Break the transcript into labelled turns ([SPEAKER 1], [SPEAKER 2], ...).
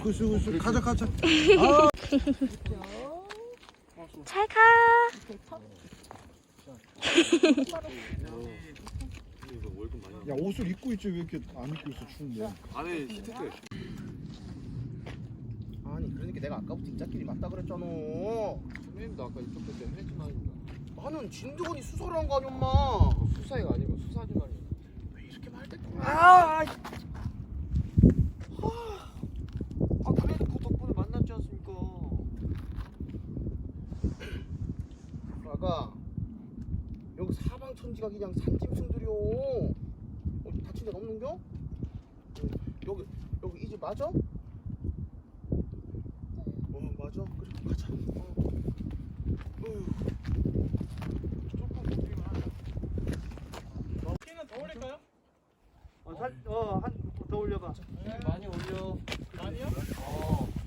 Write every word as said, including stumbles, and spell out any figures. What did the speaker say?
[SPEAKER 1] 구수 구수 가자 가자.
[SPEAKER 2] 잘 가.
[SPEAKER 1] 야 옷을 입고 있지 왜 이렇게 안 입고 있어 추운데.
[SPEAKER 3] 안에 히트테.
[SPEAKER 4] 아니 그러니까 내가 아까부터 인자끼리 맞다 그랬잖아.
[SPEAKER 3] 선배님도 아까 이쪽 때 했지만
[SPEAKER 4] 나는 진드건이 수사를 한 거 아니 엄마.
[SPEAKER 3] 수사가 아니고 수사지만이.
[SPEAKER 4] 왜 이렇게 말 때?
[SPEAKER 3] 아, 아 그래도 그 덕분에 만났지 않습니까?
[SPEAKER 4] 아가 여기 사방천지가 그냥 산짐승들이요. 어디 다친 데가 없는겨? 여기 여기 이 집 맞아? 어 맞아. 그래 가자. 어. 어휴. 조금 먹기만 하자.
[SPEAKER 5] 키는 더 올릴까요?
[SPEAKER 6] 어, 살, 어, 한, 더 올려봐.
[SPEAKER 3] 많이 올려.
[SPEAKER 5] 아니요?
[SPEAKER 3] 어.